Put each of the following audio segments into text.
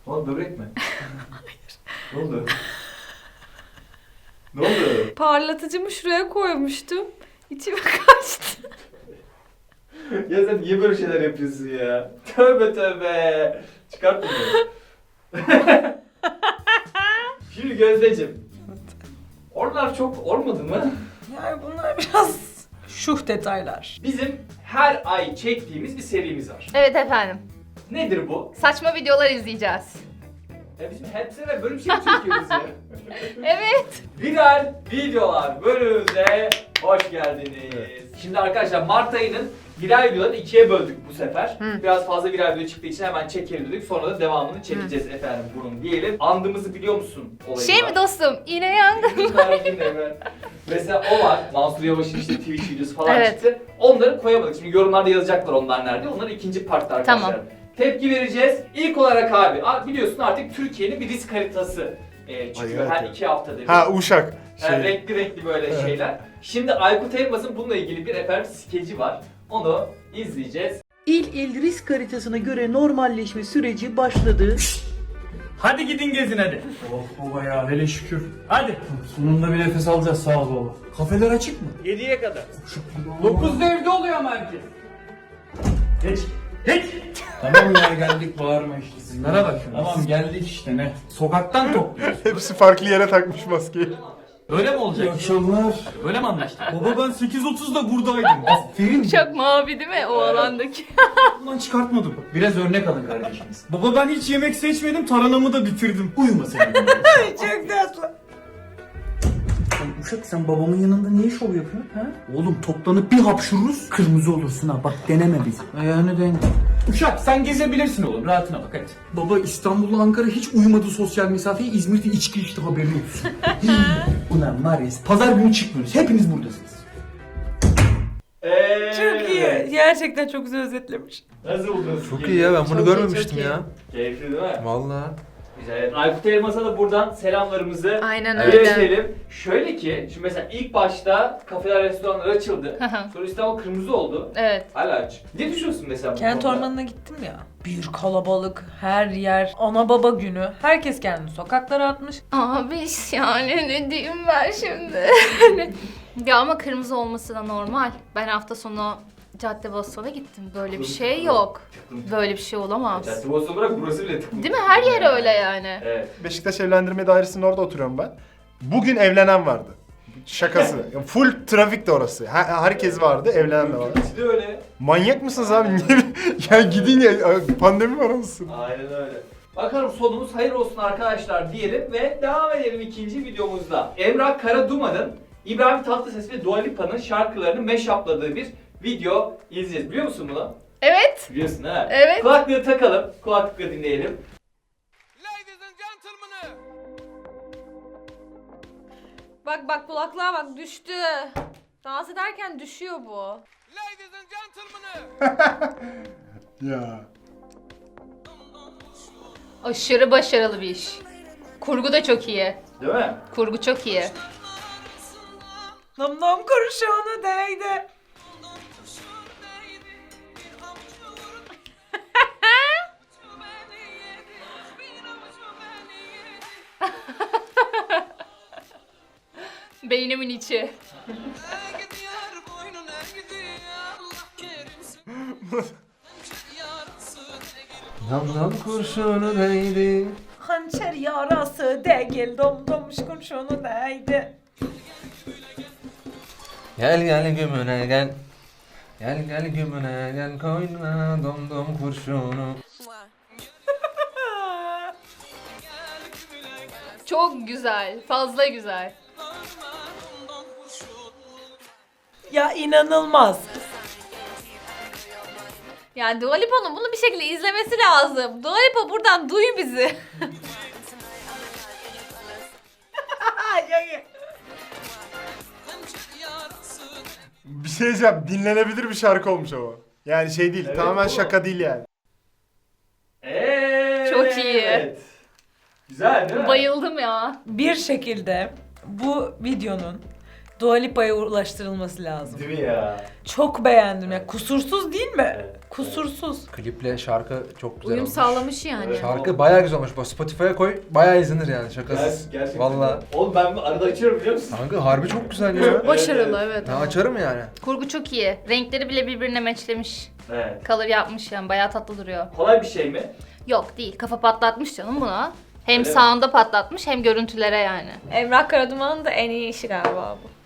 Oğlum böbrek mi? Ne oldu? Ne oldu? Parlatıcımı şuraya koymuştum. İçime kaçtı. Ya sen niye böyle şeyler yapıyorsun ya? Tövbe tövbe. Çıkart bunu. Şimdi Gözdeciğim. Oralar çok olmadı mı? Yani bunlar biraz şuh detaylar. Bizim her ay çektiğimiz bir serimiz var. Evet efendim. Nedir bu? Saçma videolar izleyeceğiz. Ya bizim hep sene böyle bir şey mi çekiyoruz ya? Evet. Viral videolar bölümümüze hoş geldiniz. Şimdi arkadaşlar Mart ayının viral videolarını ikiye böldük bu sefer. Biraz fazla viral video çıktığı için hemen çekelim dedik. Sonra da devamını çekeceğiz efendim bunun diyelim. Andımızı biliyor musun olayı? Şey mi dostum? Yine yangın. Mesela o var. Mansur Yavaş'ın işte Twitch videosu falan Evet. çıktı. Onları koyamadık. Şimdi yorumlarda yazacaklar onlar nerede. Onları ikinci partta arkadaşlar. Tamam. Tepki vereceğiz. İlk olarak abi biliyorsun artık Türkiye'nin bir risk haritası çıkıyor Ay, her evet. 2 haftada bir. Ha Uşak. Yani renkli böyle Evet. şeyler. Şimdi Aykut Elmas'ın bununla ilgili bir efendim skeci var. Onu izleyeceğiz. İl risk haritasına göre normalleşme süreci başladı. Hadi gidin gezin hadi. Oh baba ya hele şükür. Hadi. Sonunda bir nefes alacağız sağ ol baba. Kafeler açık mı? 7'ye kadar. 9'da evde oluyor ama herkes. Geç. Geç. Tamam ya geldik bağırma işte. Sizlere bak. Tamam geldik işte ne. Sokaktan topluyoruz. Hepsi farklı yere takmış maskeyi. Öyle mi olacak? İyi akşamlar. Öyle mi anlaştık? Baba ben 8.30'da buradaydım. Aferin. Çok mavi değil mi o alandaki? Bundan çıkartmadım. Biraz örnek alın kardeşimiz. Baba ben hiç yemek seçmedim taranamı da bitirdim. Uyuma sen. Çok tatlı. Uşak sen babamın yanında niye şov yapıyorsun ha? Oğlum toplanıp bir hapşururuz kırmızı olursun ha bak deneme bizi. Ayağını dene. Uşak sen gezebilirsin oğlum rahatına bak hadi. Baba İstanbul'la Ankara hiç uyumadı sosyal mesafeyi İzmir'de içki içti haberin olsun. Ulan var ya pazar günü çıkmıyoruz hepiniz buradasınız. Çok iyi. Gerçekten çok güzel özetlemiş. Nasıl buldunuz? Çok iyi ya, ben bunu Çok iyi, görmemiştim çok iyi. ya. Keyifli değil mi? Vallahi. Güzel. Evet, Aykut Elmas'a da buradan selamlarımızı Aynen öyle. iletelim. Şöyle ki, şimdi mesela ilk başta kafeler, restoranlar açıldı. Sonra İstanbul kırmızı oldu. Evet. Hala aç. Ne düşünüyorsun mesela bu Kent konuda? ormanına gittim ya. Bir kalabalık, her yer, ana baba günü. Herkes kendini sokaklara atmış. Abi yani ne diyeyim ben şimdi? Ya ama kırmızı olması da normal. Ben hafta sonu Caddebostan'a gittim. Böyle bir şey yok. Böyle bir şey olamaz. Caddebostan bırak burası bile tıklım. Değil mi? Her yer öyle yani. Evet. Beşiktaş Evlendirme Dairesi'nin orada oturuyorum ben. Bugün evlenen vardı. Şakası. Ya full trafik de orası. Herkes vardı, evlenen de vardı. İkisi de öyle. Manyak mısınız abi? Niye? Ya gidin ya, pandemi var anasını. Aynen öyle. Bakalım sonumuz hayır olsun arkadaşlar diyelim ve devam edelim ikinci videomuzda. Emrah Karaduman'ın İbrahim Tatlıses ve Dua Lipa'nın şarkılarını mashup'ladığı bir video izleyeceğiz. Biliyor musun bunu? Evet. Biliyorsun ha? Evet. Kulaklığı takalım, kulaklıkla dinleyelim. Bak kulaklığa bak düştü. Dans ederken düşüyor bu. Ya. Aşırı başarılı bir iş. Kurgu da çok iyi. Değil mi? Kurgu çok iyi. Nam nam kurşunu değdi. Beynimin içi. Nam kurşunu değdi. Hançer yarası değil dom dommuş kurşunu değdi. Gel gel gümüne gel. Gel gel gümüne gel koyma dom dom kurşunu. Çok güzel. Fazla güzel. Ya inanılmaz. Yani Dua Lipa'nın bunu bir şekilde izlemesi lazım. Dua Lipa buradan duy bizi. Bir şey diyeceğim, dinlenebilir bir şarkı olmuş ama. Yani şey değil, Evet, tamamen bu. şaka değil yani. Evet. Çok iyi. Güzel değil mi? Bayıldım ya. Bir şekilde bu videonun Dua Lipa'ya ulaştırılması lazım. Değil mi ya? Çok beğendim ya. Kusursuz değil mi? Evet. Kusursuz. Kliple şarkı çok güzel Uyum olmuş. sağlamış yani. Evet. Şarkı bayağı güzel olmuş. Bak Spotify'a koy bayağı izlenir yani şakasız. Gerçekten. Valla. Oğlum ben arada açıyorum biliyor musun? Kanka harbi çok güzel ya. Başarılı evet. Ben açarım yani. Kurgu çok iyi. Renkleri bile birbirine matchlemiş. Evet. Color yapmış yani. Bayağı tatlı duruyor. Kolay bir şey mi? Yok değil. Kafa patlatmış canım buna. Hem Öyle mi? sound'a patlatmış hem görüntülere yani. Emrah Karaduman'ın da en iyi işi galiba bu.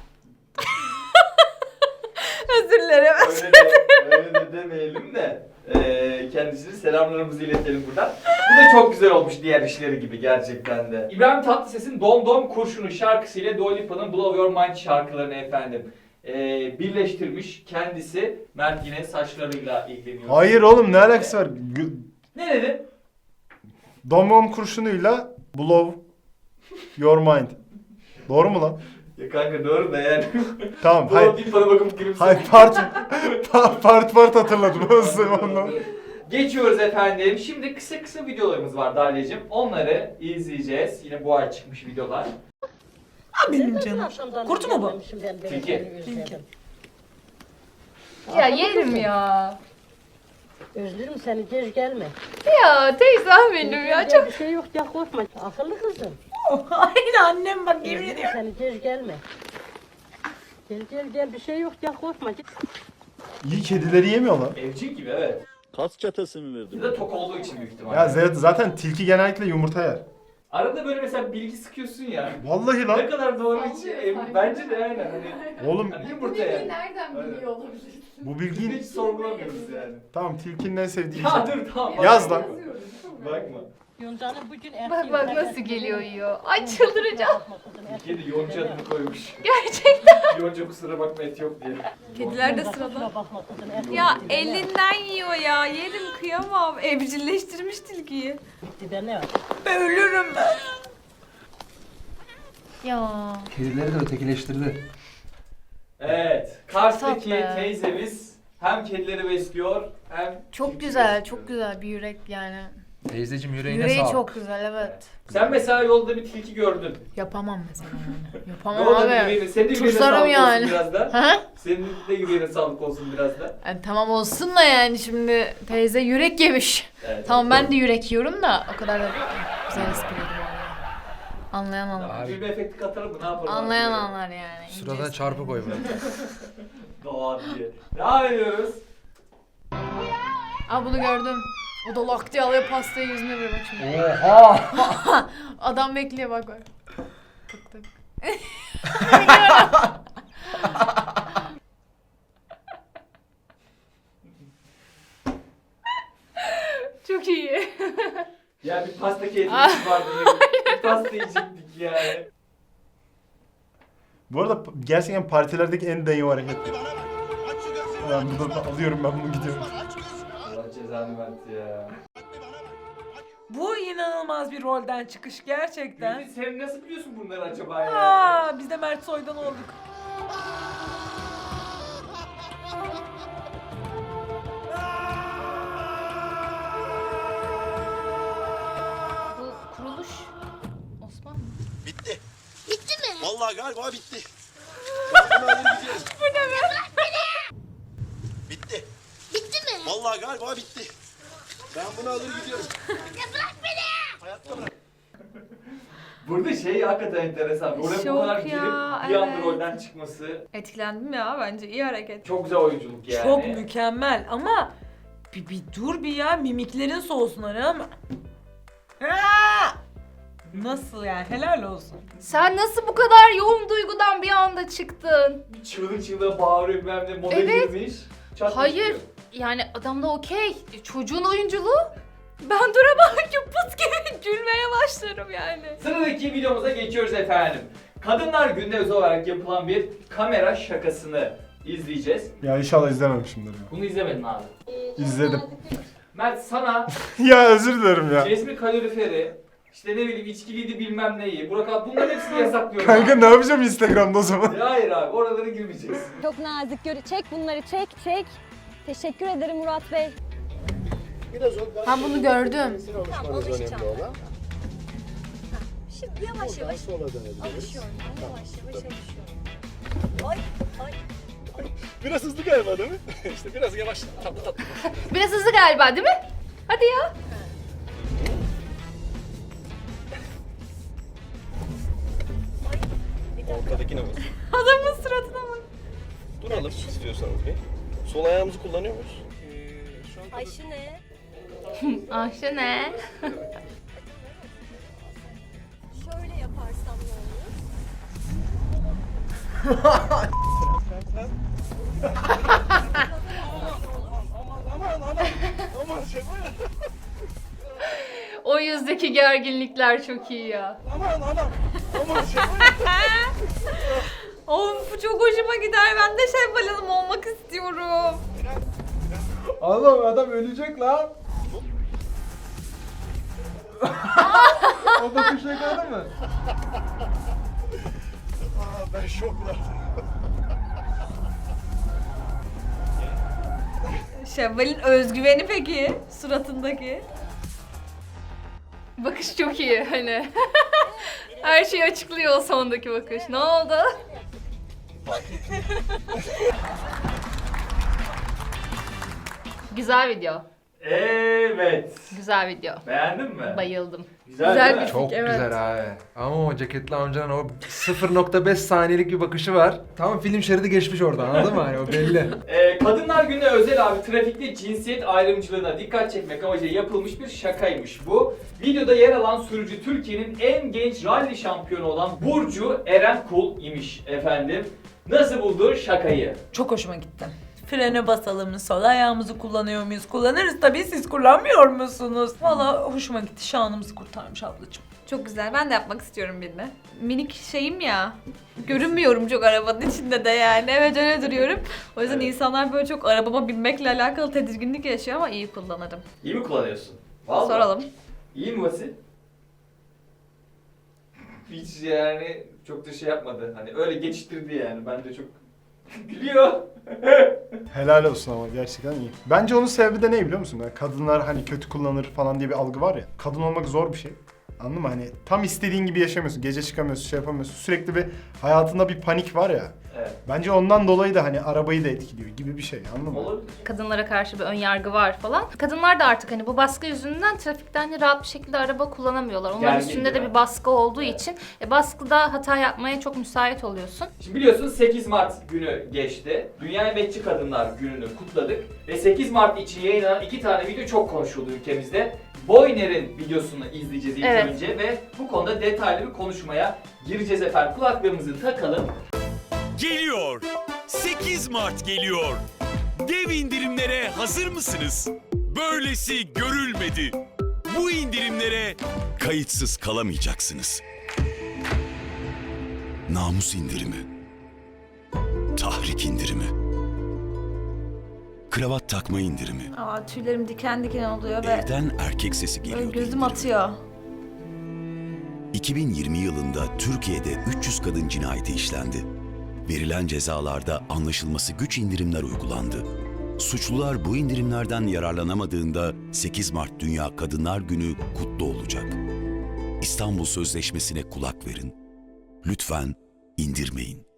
Özür dilerim. Öyle de demeyelim de. Kendisine selamlarımızı iletelim buradan. Bu da çok güzel olmuş diğer işleri gibi gerçekten de. İbrahim Tatlıses'in Dom Dom Kurşunu şarkısıyla Dua Lipa'nın Blow Your Mind şarkılarını efendim birleştirmiş kendisi. Mert yine saçlarıyla ilgileniyor. Hayır oğlum ne alakası var? Ne dedin? Domom kurşunuyla blow your mind. Doğru mu lan? Ya kanka doğru da yani. Tamam Dua hayır. Lipa'na bakıp gülümse. Hayır part hatırladım. Ondan. Geçiyoruz efendim. Şimdi kısa videolarımız var Dalya'cığım. Onları izleyeceğiz. Yine bu ay çıkmış videolar. Benim canım. Kurt mu bu? Tilki. Ya yerim ya. Özlerim seni, geç gelme. Ya teyzem benim ya. Çok Bir şey yok ya, korkma. Akıllı kızım. Aynı annem bak yemin Özlerim ediyorum. seni, geç gelme. Gel bir şey yok ya, korkma. İyi kedileri yemiyorlar. Evcil gibi evet. Kas çatası mı verdi? Bir de tok olduğu için büyük ihtimalle. Ya zaten tilki genellikle yumurta yer. Arada böyle mesela bilgi sıkıyorsun ya. Vallahi Ne lan. kadar doğru hiç. Bence de aynen. Hani, Oğlum hani yumurta yer. nereden biliyor olabilirsin? bu bilgiyi... Hiç sorgulamıyoruz yani. Tamam tilkinin en sevdiği Ya şey. dur tamam. Yaz bakma. lan. Bakma. Yonca'nın bugün Bak bak nasıl geliyor yiyor. Ay çıldıracağım. Kedi yonca adını koymuş. Gerçekten. Yonca kusura bakma et yok diye. Kediler de sırada. Bakma kızım, erkek Ya bitti, ne var? elinden yiyor ya. Yerim kıyamam. Evcilleştirmiş tilkiyi. Bitti be, ne var? Ben ölürüm ben. Ya. Kedileri de ötekileştirdi. Evet. Kars'taki Tatlı. teyzemiz hem kedileri besliyor hem Çok tilki güzel, besliyor. çok güzel bir yürek yani. Teyzeciğim yüreğine Yüreği sağlık. çok güzel evet. Sen mesela yolda bir tilki gördün. Yapamam mesela yani. Yapamam Yolda bir abi. yüreğine, senin de yüreğine Tırsarım sağlık yani. olsun biraz da. Ha? Senin de yüreğine sağlık olsun biraz da. Yani tamam olsun da yani şimdi teyze yürek yemiş. Evet. Tamam ben de yürek yiyorum da o kadar da güzel espriydi vallahi. Anlayan anlar. Abi. Gülme efekti katalım mı? Ne yapalım? Anlayan abi? anlar yani. İnce Sıradan espri. çarpı koy böyle. Doğa diye. Devam ediyoruz. Aa bunu gördüm. O da lak diye alıyor pastayı yüzüne vuruyor bak şimdi. Oha! Adam bekliyor bak bak. Tık tık. Çok iyi. Ya bir pasta keyfimiz vardı. Bir pasta yiyecektik yani. Bu arada gerçekten partilerdeki en dayı hareket. Ben burada alıyorum ben bunu gidiyorum. Allah cezanı verdi ya. Bu inanılmaz bir rolden çıkış gerçekten. Gülbin sen nasıl biliyorsun bunları acaba ya? Aa, biz de Mert Soy'dan olduk. Bu kuruluş Osman mı? Bitti. Bitti mi? Vallahi galiba bitti. Ben bunu alır gidiyorum. Bu ne be? Bitti. Bitti mi? Vallahi galiba bitti. Ben bunu alır gidiyorum. Burada şey hakikaten enteresan. Oraya bu Şok kadar ya, girip bir anda evet. rolden çıkması. Etkilendim ya bence iyi hareket. Çok güzel oyunculuk yani. Çok mükemmel ama bir dur bir ya mimiklerin soğusun hani ama. Aa! Nasıl yani helal olsun. Sen nasıl bu kadar yoğun duygudan bir anda çıktın? Bir çığlık çığlığa bağırıyor bilmem ne moda Evet. girmiş. Çat Hayır. çıkıyor. Yani adam da okey. Çocuğun oyunculuğu. Ben duramam ki pıt gibi gülmeye başlarım yani. Sıradaki videomuza geçiyoruz efendim. Kadınlar Günü'ne özel olarak yapılan bir kamera şakasını izleyeceğiz. Ya inşallah izlememişimdir ya. Bunu izlemedin abi. İzledim. Mert sana Ya özür dilerim ya. resmi kaloriferi, işte ne bileyim içkiliydi bilmem neyi, Burak abi bunların hepsini yasaklıyorum. Kanka abi. ne yapacağım Instagram'da o zaman? Ya hayır abi oralara girmeyeceksin. Çok nazik çek bunları çek. Teşekkür ederim Murat Bey. Ben bunu gördüm. Tamam alışacağım. Şimdi yavaş yavaş alışıyorum. Yavaş yavaş alışıyorum. Ay. Biraz hızlı galiba değil mi? İşte biraz yavaş, tatlı tatlı. Biraz hızlı galiba değil mi? Hadi ya. Ortadakine bas. Adamın suratına bak. Duralım istiyorsanız bir. Sol ayağımızı kullanıyor muyuz? Ayşe ne? Ayşe ne? Şöyle yaparsam ne olur? Aman şaka. O yüzdeki gerginlikler çok iyi ya. Aman şaka. Oğlum bu çok hoşuma gider. Ben de Şevval Hanım olmak istiyorum. Allah'ım adam ölecek lan. O bakış yakaladı mı? Ben şokla. Şevval'in özgüveni peki? Suratındaki. Bakış çok iyi hani. Her şeyi açıklıyor o sondaki bakış. Ne oldu? Güzel video. Evet. Güzel video. Beğendin mi? Bayıldım. Güzel, değil mi? Çok evet. güzel abi. Ama o ceketli amcanın o 0.5 saniyelik bir bakışı var. Tam film şeridi geçmiş orada, anladın mı? Hani o belli. Kadınlar Günü'ne özel abi trafikte cinsiyet ayrımcılığına dikkat çekmek amacıyla yapılmış bir şakaymış bu. Videoda yer alan sürücü Türkiye'nin en genç rally şampiyonu olan Burcu Eren Kul imiş efendim. Nasıl buldu şakayı? Çok hoşuma gitti. Frene basalım, sol ayağımızı kullanıyor muyuz? Kullanırız tabii, siz kullanmıyor musunuz? Valla hoşuma gitti, şanımızı kurtarmış ablacığım. Çok güzel. Ben de yapmak istiyorum birini. Minik şeyim ya. Görünmüyorum çok arabanın içinde de yani. Evet öyle duruyorum. O yüzden Evet. insanlar böyle çok arabama binmekle alakalı tedirginlik yaşıyor ama iyi kullanırım. İyi mi kullanıyorsun? Vallahi. Soralım. İyi mi Vasil? Hiç yani çok da şey yapmadı. Hani öyle geçiştirdi yani. Ben de çok gülüyor. Helal olsun ama gerçekten iyi. Bence onun sebebi de ne biliyor musun? Yani kadınlar hani kötü kullanır falan diye bir algı var ya. Kadın olmak zor bir şey. Anladın mı? Hani tam istediğin gibi yaşamıyorsun. Gece çıkamıyorsun, şey yapamıyorsun. Sürekli bir hayatında bir panik var ya. Evet. Bence ondan dolayı da hani arabayı da etkiliyor gibi bir şey. Anladın mı? Olabilir. Kadınlara karşı bir ön yargı var falan. Kadınlar da artık hani bu baskı yüzünden trafikte hani rahat bir şekilde araba kullanamıyorlar. Onların Gergin üstünde de değil mi? bir baskı olduğu Evet. için baskıda hata yapmaya çok müsait oluyorsun. Şimdi biliyorsunuz 8 Mart günü geçti. Dünya Emekçi Kadınlar Günü'nü kutladık. Ve 8 Mart için yayınlanan 2 tane video çok konuşuldu ülkemizde. Boyner'in videosunu izleyeceğiz ilk Evet. önce ve bu konuda detaylı bir konuşmaya gireceğiz efendim. Kulaklarımızı takalım. Geliyor. 8 Mart geliyor. Dev indirimlere hazır mısınız? Böylesi görülmedi. Bu indirimlere kayıtsız kalamayacaksınız. Namus indirimi. Tahrik indirimi. Kravat takma indirimi. Aa tüylerim diken diken oluyor ve Evden erkek sesi böyle geliyor. gözüm atıyor. 2020 yılında Türkiye'de 300 kadın cinayeti işlendi. Verilen cezalarda anlaşılması güç indirimler uygulandı. Suçlular bu indirimlerden yararlanamadığında 8 Mart Dünya Kadınlar Günü kutlu olacak. İstanbul Sözleşmesi'ne kulak verin. Lütfen indirmeyin.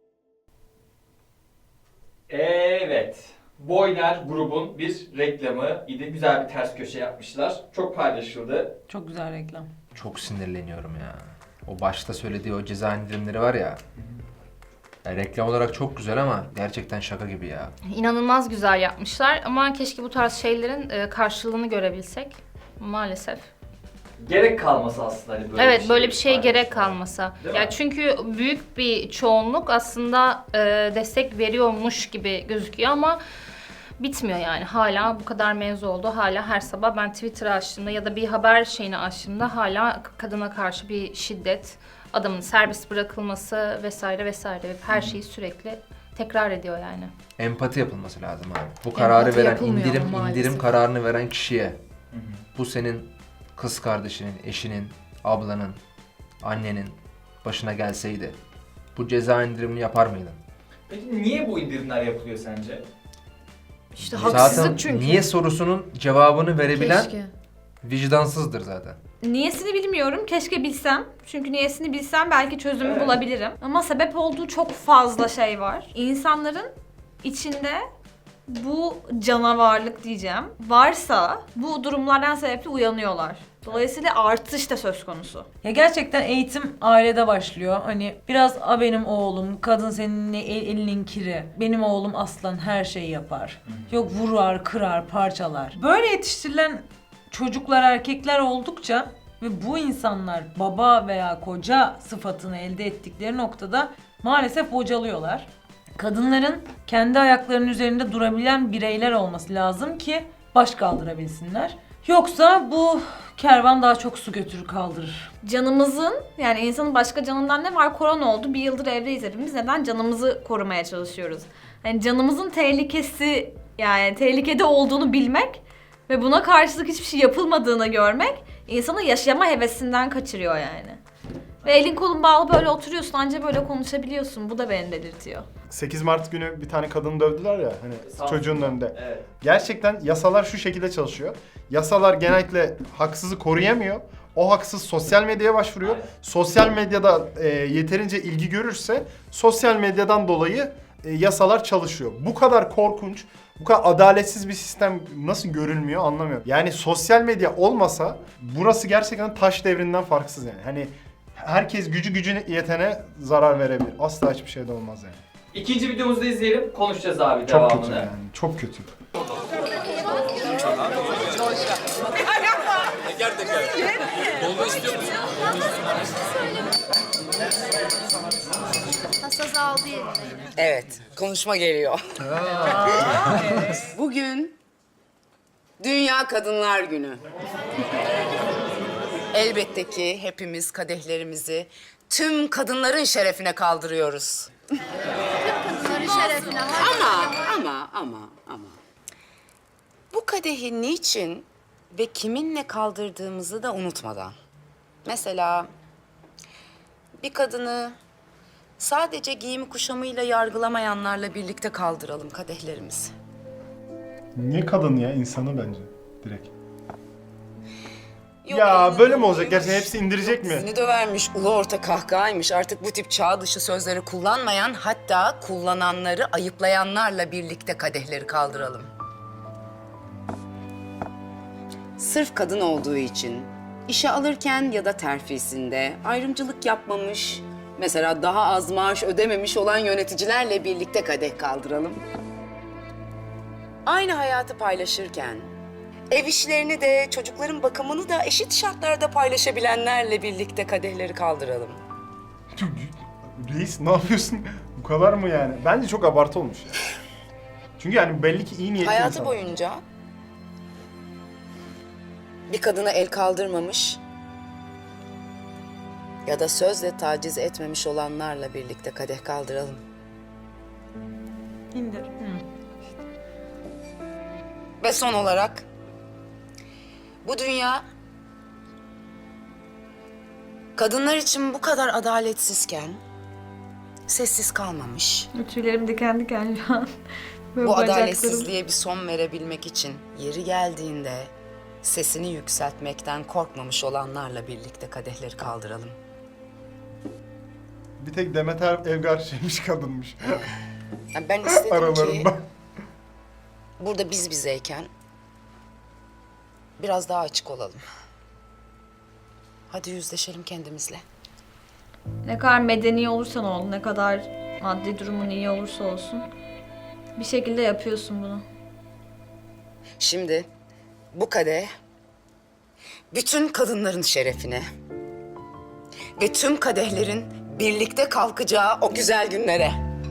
Evet. Boyner grubun bir reklamı idi. Güzel bir ters köşe yapmışlar. Çok paylaşıldı. Çok güzel reklam. Çok sinirleniyorum ya. O başta söylediği o ceza indirimleri var ya. Yani reklam olarak çok güzel ama gerçekten şaka gibi ya. İnanılmaz güzel yapmışlar ama keşke bu tarz şeylerin karşılığını görebilsek. Maalesef. Gerek kalması aslında hani böyle Evet, bir şey. böyle bir şeye gerek paylaşmaya. kalmasa. Değil mi? Ya çünkü büyük bir çoğunluk aslında destek veriyormuş gibi gözüküyor ama bitmiyor yani. Hala bu kadar mevzu oldu. Hala her sabah ben Twitter açtığımda ya da bir haber şeyini açtığımda hala kadına karşı bir şiddet, adamın serbest bırakılması vesaire vesaire. Her şeyi sürekli tekrar ediyor yani. Empati yapılması lazım abi. Bu kararı Empati veren, yapılmıyor indirim ama maalesef. kararını veren kişiye, bu senin kız kardeşinin, eşinin, ablanın, annenin başına gelseydi, bu ceza indirimini yapar mıydın? Peki niye bu indirimler yapılıyor sence? İşte Zaten haksızlık çünkü. niye sorusunun cevabını verebilen Keşke. vicdansızdır zaten. Niyesini bilmiyorum. Keşke bilsem. Çünkü niyesini bilsem belki çözümü Evet. bulabilirim. Ama sebep olduğu çok fazla şey var. İnsanların içinde bu canavarlık diyeceğim varsa bu durumlardan sebeple uyanıyorlar. Dolayısıyla artış da söz konusu. Ya gerçekten eğitim ailede başlıyor. Hani biraz a benim oğlum, kadın senin elinin kiri. Benim oğlum aslan her şeyi yapar. Yok vurar, kırar, parçalar. Böyle yetiştirilen çocuklar, erkekler oldukça ve bu insanlar baba veya koca sıfatını elde ettikleri noktada maalesef bocalıyorlar. Kadınların kendi ayaklarının üzerinde durabilen bireyler olması lazım ki baş kaldırabilsinler. Yoksa bu kervan daha çok su götürür kaldırır. Canımızın, yani insanın başka canından ne var? Korona oldu. Bir yıldır evdeyiz hepimiz. Neden? Canımızı korumaya çalışıyoruz. Yani canımızın tehlikesi, yani tehlikede olduğunu bilmek ve buna karşılık hiçbir şey yapılmadığını görmek insanı yaşama hevesinden kaçırıyor yani. Ve elin kolun bağlı böyle oturuyorsun, anca böyle konuşabiliyorsun. Bu da beni delirtiyor. 8 Mart günü bir tane kadını dövdüler ya hani çocuğun önünde. Evet. Gerçekten yasalar şu şekilde çalışıyor. Yasalar genellikle haksızı koruyamıyor. O haksız sosyal medyaya başvuruyor. Aynen. Sosyal medyada yeterince ilgi görürse sosyal medyadan dolayı yasalar çalışıyor. Bu kadar korkunç, bu kadar adaletsiz bir sistem nasıl görülmüyor anlamıyorum. Yani sosyal medya olmasa burası gerçekten taş devrinden farksız yani. Hani herkes gücüne yetene zarar verebilir. Asla hiçbir şey de olmaz yani. İkinci videomuzu da izleyelim. Konuşacağız abi Çok devamını. kötü yani. Çok kötü. Hassas aldı yerine. Evet, konuşma geliyor. Bugün Dünya Kadınlar Günü. Elbette ki hepimiz kadehlerimizi tüm kadınların şerefine kaldırıyoruz. Kadınların şerefine. Ama. Bu kadehi niçin ve kiminle kaldırdığımızı da unutmadan. Mesela bir kadını sadece giyimi kuşamıyla yargılamayanlarla birlikte kaldıralım kadehlerimizi. Niye kadın ya? İnsanı bence. Direkt. Yok, Ya elini böyle mi olacak? dövmüş, Gerçekten hepsi indirecek mi? Seni dövermiş, ulu orta kahkahaymış. Artık bu tip çağ dışı sözleri kullanmayan, hatta kullananları ayıplayanlarla birlikte kadehleri kaldıralım. Sırf kadın olduğu için işe alırken ya da terfisinde ayrımcılık yapmamış, mesela daha az maaş ödememiş olan yöneticilerle birlikte kadeh kaldıralım. Aynı hayatı paylaşırken ev işlerini de, çocukların bakımını da eşit şartlarda paylaşabilenlerle birlikte kadehleri kaldıralım. Reis ne yapıyorsun? Bu kadar mı yani? Bence çok abartı olmuş ya. Çünkü yani belli ki iyi niyetli Hayatı insan. boyunca bir kadına el kaldırmamış ya da sözle taciz etmemiş olanlarla birlikte kadeh kaldıralım. İndir. Ve son olarak bu dünya kadınlar için bu kadar adaletsizken sessiz kalmamış. Tüylerim diken diken şu an. Böyle Bu bacaklarım. adaletsizliğe bir son verebilmek için yeri geldiğinde sesini yükseltmekten korkmamış olanlarla birlikte kadehleri kaldıralım. Bir tek Demet Evgar şeymiş kadınmış. Yani ben istedim ki Aralarında. burada biz bizeyken biraz daha açık olalım. Hadi yüzleşelim kendimizle. Ne kadar medeni olursan ol, ne kadar maddi durumun iyi olursa olsun bir şekilde yapıyorsun bunu. Şimdi bu kadeh bütün kadınların şerefine ve tüm kadehlerin birlikte kalkacağı o güzel günlere.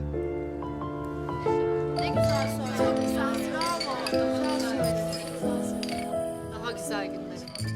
Ne güzel söyledin sen. Bravo. Güzel söyledin. Daha güzel günler.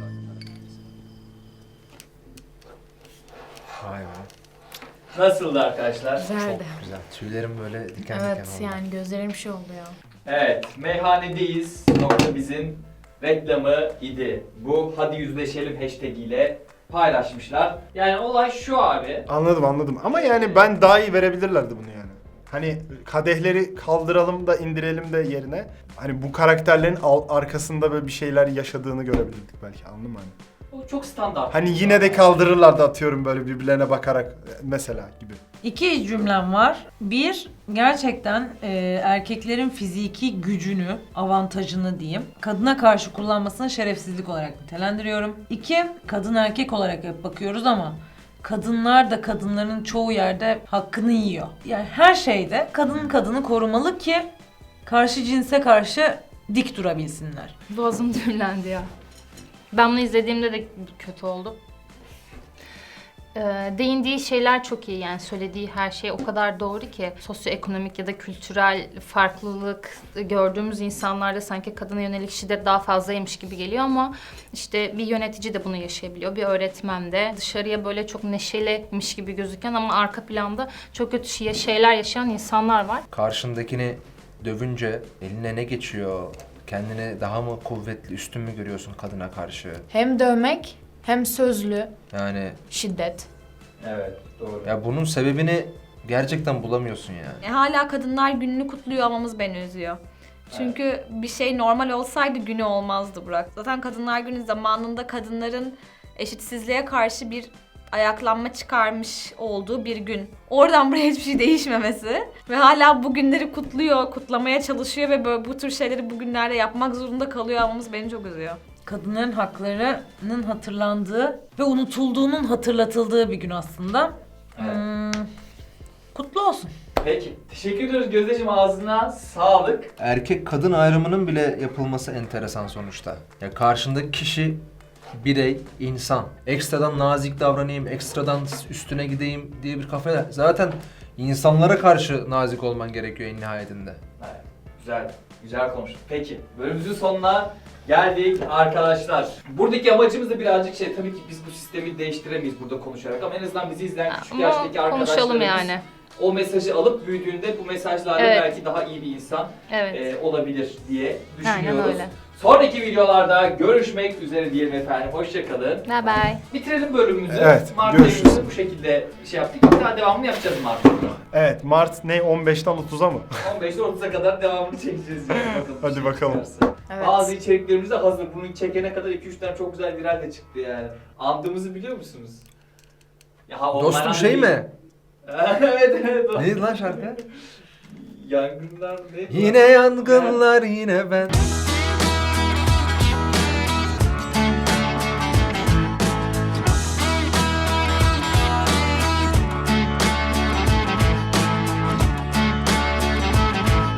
Vay be. Nasıldı arkadaşlar? Güzeldi. Güzel. Tüylerim böyle diken Evet diken oldu. yani gözlerim şey oldu ya. Evet, meyhanedeyiz. Bizin reklamı idi. Bu hadi yüzleşelim hashtag ile paylaşmışlar. Yani olay şu abi. Anladım ama yani ben daha iyi verebilirlerdi bunu yani. Hani kadehleri kaldıralım da indirelim de yerine hani bu karakterlerin arkasında böyle bir şeyler yaşadığını görebilirdik belki, anladın mı hani? O çok standart. Hani yine de kaldırırlardı atıyorum böyle birbirlerine bakarak mesela gibi. 2 cümlem var. 1, gerçekten erkeklerin fiziki gücünü, avantajını diyeyim, kadına karşı kullanmasını şerefsizlik olarak nitelendiriyorum. 2, kadın erkek olarak hep bakıyoruz ama kadınlar da kadınların çoğu yerde hakkını yiyor. Yani her şeyde kadın kadını korumalı ki karşı cinse karşı dik durabilsinler. Boğazım düğümlendi ya. Ben bunu izlediğimde de kötü oldu. Değindiği şeyler çok iyi, yani söylediği her şey o kadar doğru ki sosyoekonomik ya da kültürel farklılık gördüğümüz insanlarda sanki kadına yönelik şiddet daha fazlaymış gibi geliyor ama işte bir yönetici de bunu yaşayabiliyor, bir öğretmen de. Dışarıya böyle çok neşeliymiş gibi gözüken ama arka planda çok kötü şeyler yaşayan insanlar var. Karşındakini dövünce eline ne geçiyor? Kendini daha mı kuvvetli, üstün mü görüyorsun kadına karşı? Hem dövmek hem sözlü Yani şiddet. Evet, doğru. ya bunun sebebini gerçekten bulamıyorsun yani. Hala Kadınlar Günü'nü kutluyor olmamız beni üzüyor. Çünkü bir şey normal olsaydı günü olmazdı Burak. Zaten Kadınlar Günü zamanında kadınların eşitsizliğe karşı bir ayaklanma çıkarmış olduğu bir gün. Oradan buraya hiçbir şey değişmemesi ve hala bu günleri kutluyor, kutlamaya çalışıyor ve böyle bu tür şeyleri bugünlerde yapmak zorunda kalıyor olmamız beni çok üzüyor. Kadınların haklarının hatırlandığı ve unutulduğunun hatırlatıldığı bir gün aslında. Kutlu olsun. Peki. Teşekkür ediyoruz Gözdeciğim, ağzına sağlık. Erkek kadın ayrımının bile yapılması enteresan sonuçta. Ya karşındaki kişi birey, insan. Ekstradan nazik davranayım, ekstradan üstüne gideyim diye bir kafayla. Zaten insanlara karşı nazik olman gerekiyor en nihayetinde. Evet, güzel. Güzel konuştuk. Peki. Bölümümüzün sonuna geldik arkadaşlar. Buradaki amacımız da birazcık tabii ki biz bu sistemi değiştiremeyiz burada konuşarak ama en azından bizi izleyen küçük Ama yaştaki konuşalım arkadaşlarımız yani. o mesajı alıp büyüdüğünde bu mesajlarla Evet. belki daha iyi bir insan Evet. Olabilir diye düşünüyoruz. Aynen öyle. Sonraki videolarda görüşmek üzere diyelim efendim. Hoşçakalın. Bye bye. Bitirelim bölümümüzü. Evet, Mart görüşürüz. ayında bu şekilde şey yaptık. Bir daha devamını yapacağız Mart'ta. Evet, Mart ne 15'ten 30'a mı? 15'ten 30'a kadar devamını çekeceğiz yani. Bakalım. Hadi bakalım. Evet. Bazı içeriklerimiz de hazır. Bunu çekene kadar 2-3 tane çok güzel viral de çıktı yani. Andığımızı biliyor musunuz? Ya, Dostum şey mi? Evet evet. Neydi lan şarkı? Yangınlar ne? Yine yangınlar yine ben.